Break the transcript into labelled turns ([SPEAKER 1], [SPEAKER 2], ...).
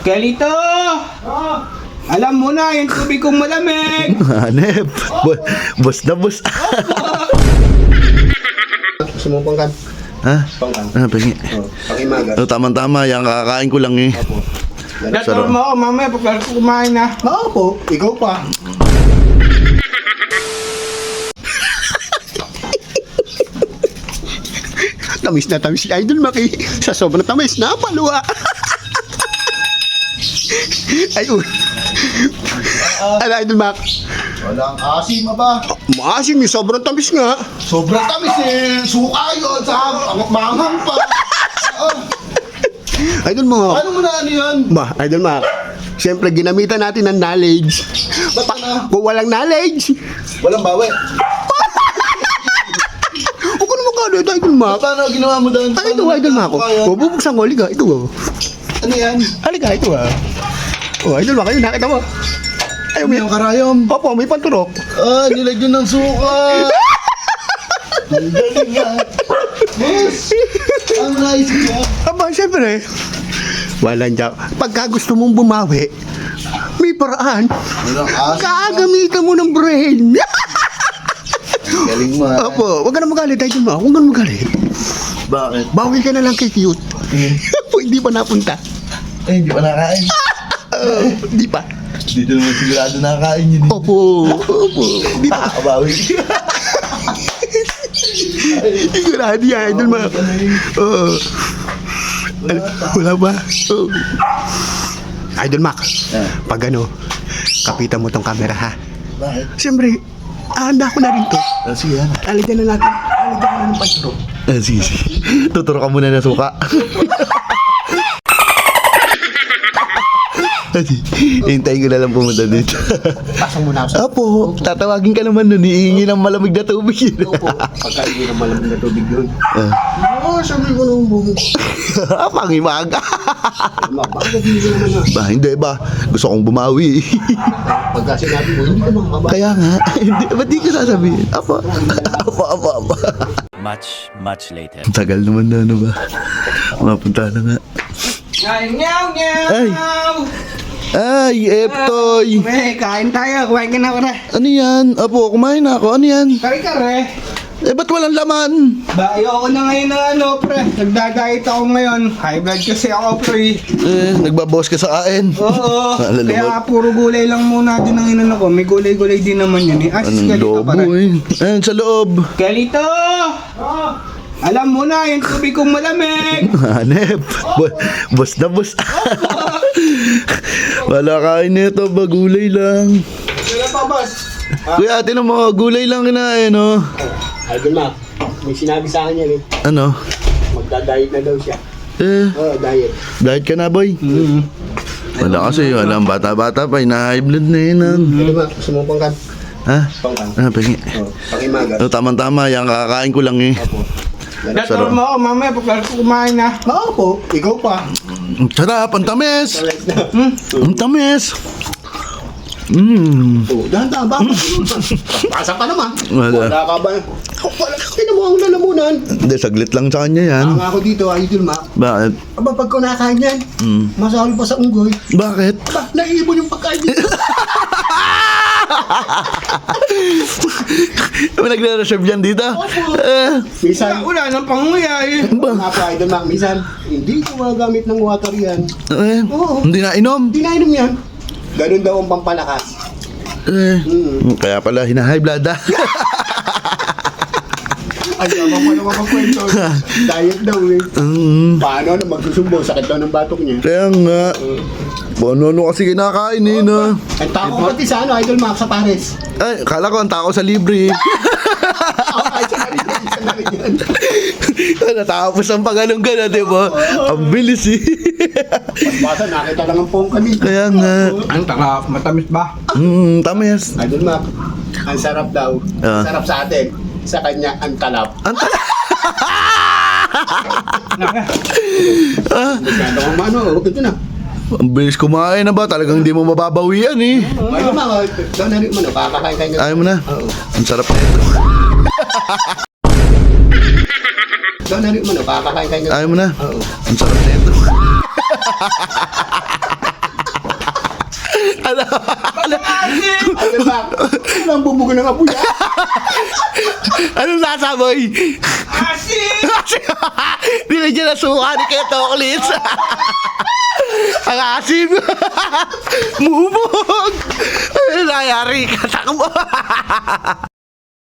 [SPEAKER 1] Kalito! Alam mo na, yung tubig kong malamig!
[SPEAKER 2] Hanep. Bus na bus.
[SPEAKER 3] Gusto mo pangkan?
[SPEAKER 2] Ha?
[SPEAKER 3] Pangkan.
[SPEAKER 2] Ah, pengi.
[SPEAKER 3] Pakimagas.
[SPEAKER 2] Oh, tama-tama. Yan, kakain ko lang eh.
[SPEAKER 1] Dator mo ako mamaya pagka kumain na.
[SPEAKER 3] Oo po, ikaw pa. Tamis na tamis si Idol Maki. Sa sobrang tamis, napaluwa. Ay, ano Idol Mac?
[SPEAKER 4] Walang asim ba?
[SPEAKER 3] Maasim, sobrang tamis nga.
[SPEAKER 4] Sobrang tamis eh. Suka yun. Sa manghang pa.
[SPEAKER 3] Idol Mac.
[SPEAKER 4] Ano mo na ano yan?
[SPEAKER 3] Ba, Idol Mac. Siyempre, ginamitan natin ng knowledge.
[SPEAKER 4] Ba't na?
[SPEAKER 3] Kung walang knowledge,
[SPEAKER 4] Walang bawi.
[SPEAKER 3] huwag ko naman kano ito, Idol Mac.
[SPEAKER 4] Paano ginawa mo doon?
[SPEAKER 3] Ay, ito, Idol Mac. Bubuksan ko, halika. Ito,
[SPEAKER 4] Ano yan?
[SPEAKER 3] halika, ito, Oh, Idol Mac, ayun, nakita mo. Ay, may...
[SPEAKER 4] Yung karayom.
[SPEAKER 3] Opo, may panturok.
[SPEAKER 4] Ah, nilagyan ng suka. Ang galing nga. Boss, ang nice niya.
[SPEAKER 3] Aba, siyempre, walang jack. Pagka gusto mong bumawi, may paraan.
[SPEAKER 4] Walang asim.
[SPEAKER 3] Gagamitan mo ng brain.
[SPEAKER 4] Galing mo.
[SPEAKER 3] Opo, huwag ka na magalit, Idol Mac. Huwag ka na magalit.
[SPEAKER 4] Bakit?
[SPEAKER 3] Bawi ka na lang kay cute. Hindi pa napunta.
[SPEAKER 4] Eh, hindi pa nakain.
[SPEAKER 3] Hindi pa.
[SPEAKER 4] Dito naman sigurado nakain yun.
[SPEAKER 3] Opo, opo. Hindi pa.
[SPEAKER 4] Bawi.
[SPEAKER 3] Sigurado yan, Idol Mac. Oo. Wala ba? Oo. Idol Mac, pag ano, kapitan mo tong camera ha.
[SPEAKER 4] Bakit?
[SPEAKER 3] Siyempre, handa ko na rin to.
[SPEAKER 4] Sige yan.
[SPEAKER 3] Alitan na natin. Alitan na ng panturo.
[SPEAKER 2] Sige. Tuturo ka muna na suka. Hintayin ko na lang pumunta dito.
[SPEAKER 3] Pasang muna ako sa...
[SPEAKER 2] Apo, tatawagin ka naman nun. Iingi ng malamig na tubig yun.
[SPEAKER 3] Opo. Pagka hindi na malamig na tubig yun.
[SPEAKER 4] Oo, sabi ko nung bumo.
[SPEAKER 2] Pangimaga.
[SPEAKER 3] Bakit hindi naman na?
[SPEAKER 2] Ba, hindi ba? Gusto kong bumawi.
[SPEAKER 3] Pagka sinabi mo, hindi ka makakaba.
[SPEAKER 2] Kaya nga, hindi, ba't di ko sasabihin? Apa.
[SPEAKER 5] Much later.
[SPEAKER 2] Ang tagal naman na, ano ba? Mapunta na nga.
[SPEAKER 1] Nyaw, nyaw!
[SPEAKER 2] Ay! Ay, Eptoy!
[SPEAKER 1] Kain tayo. Kumain ka na pare.
[SPEAKER 2] Ano yan? Apo, kumain na ako. Ano yan?
[SPEAKER 1] Kare-kare.
[SPEAKER 2] Eh, ba't walang laman?
[SPEAKER 1] Ba, ayoko na ngayon ng ano, pre. Nagdadayet ako ngayon. High blood kasi ako, pre.
[SPEAKER 2] Eh, nagbabawas ka sa kain.
[SPEAKER 1] Oo.
[SPEAKER 2] Alalawag.
[SPEAKER 1] Kaya puro gulay lang muna din ang inano ko. May gulay-gulay din naman yun eh. Asis
[SPEAKER 2] Anong
[SPEAKER 1] kalito
[SPEAKER 2] lobo
[SPEAKER 1] pare.
[SPEAKER 2] eh? Ayan, sa loob.
[SPEAKER 1] Kalito! Alam mo na, yung tubig kong malamig!
[SPEAKER 2] Hanep. Bus na bus. Wala kain nito, ba gulay lang.
[SPEAKER 1] Wala pa, boss.
[SPEAKER 2] Kuya, ate mo, gulay lang kinain, no?
[SPEAKER 3] Idol Mac, may sinabi sa akin yan eh.
[SPEAKER 2] Ano?
[SPEAKER 3] Magda-diet na daw siya.
[SPEAKER 2] Eh,
[SPEAKER 3] Oo, diet.
[SPEAKER 2] diet ka na, boy? Wala kasi, wala ang bata-bata pa, high blood na yun.
[SPEAKER 3] Idol Mac, gusto mo pangkan?
[SPEAKER 2] Ha?
[SPEAKER 3] Pangkan.
[SPEAKER 2] Ah, pengi.
[SPEAKER 3] Pakimagas.
[SPEAKER 2] Oh, tama-tama, yan, kakain ko lang eh.
[SPEAKER 1] Dator mo ako mamaya pagka kumain na.
[SPEAKER 3] Oo po, ikaw pa.
[SPEAKER 2] Ang sarap, ang tamis! Ang tamis!
[SPEAKER 3] Oo, dahan-dahan ba? Pasa ka naman.
[SPEAKER 2] Wala.
[SPEAKER 3] Wala ka ba? Wala ka mo ang lalamunan.
[SPEAKER 2] Hindi, saglit lang sa kanya yan.
[SPEAKER 3] Ang ako dito, Idol Mac.
[SPEAKER 2] Bakit?
[SPEAKER 3] Aba, pag kunakain yan, masahol pa sa unggoy.
[SPEAKER 2] Bakit?
[SPEAKER 3] Aba, naiibon yung pagkain dito.
[SPEAKER 2] Nagre-reserve yan dito?
[SPEAKER 3] Minsan,
[SPEAKER 1] Wala nang panguya eh.
[SPEAKER 3] nga po, Idol Mac, minsan, hindi ko magagamit ng water yan. Oo.
[SPEAKER 2] Hindi na inom.
[SPEAKER 3] Hindi na inom yan. Ganun daw ang pampalakas.
[SPEAKER 2] Kaya pala, hina-high blood ah.
[SPEAKER 3] Ay, naman mo naman magkwento. Diet daw eh. Paano na magsusumbo? Sakit daw ng batok niya.
[SPEAKER 2] Kaya nga. Ano kasi kinakain eh na.
[SPEAKER 3] Ang tako pati sa ano, Idol Mac, sa Pares.
[SPEAKER 2] Ay, kala ko ang tao sa libre.
[SPEAKER 3] Ay, isa na rin yan.
[SPEAKER 2] Natapos ang pagalong-gana, di ba? Ang bilis eh.
[SPEAKER 3] Basta nakita lang ang pong kami.
[SPEAKER 2] Kaya nga.
[SPEAKER 1] Ang tarap, matamis ba?
[SPEAKER 2] Tamis.
[SPEAKER 3] Idol Mac, ang sarap daw.
[SPEAKER 2] Ah.
[SPEAKER 3] Sarap sa atin. Sa kanya, ang talap.
[SPEAKER 2] Ang
[SPEAKER 3] Magkano ang mano, ito na.
[SPEAKER 2] Ang bilis kumain na ba? Talagang hindi mo mababawian eh.
[SPEAKER 3] Idol Mac, daw na rin mo na, kakakain kayo.
[SPEAKER 2] Ayaw mo na.
[SPEAKER 3] Oo.
[SPEAKER 2] Ang sarap na ito.
[SPEAKER 3] Daw na rin mo na, kakakain kayo.
[SPEAKER 2] Ayaw mo na.
[SPEAKER 3] Oo.
[SPEAKER 2] Ang sarap na ito. Ano?
[SPEAKER 3] Ano ba? Ano ang bumugo ng apoy?
[SPEAKER 2] Anong nasaboy?
[SPEAKER 1] Asin!
[SPEAKER 2] Dinadyan na suka ni Kuya Toklis. Ang asim. Mumog. Ay, nangyari ka. Takbo.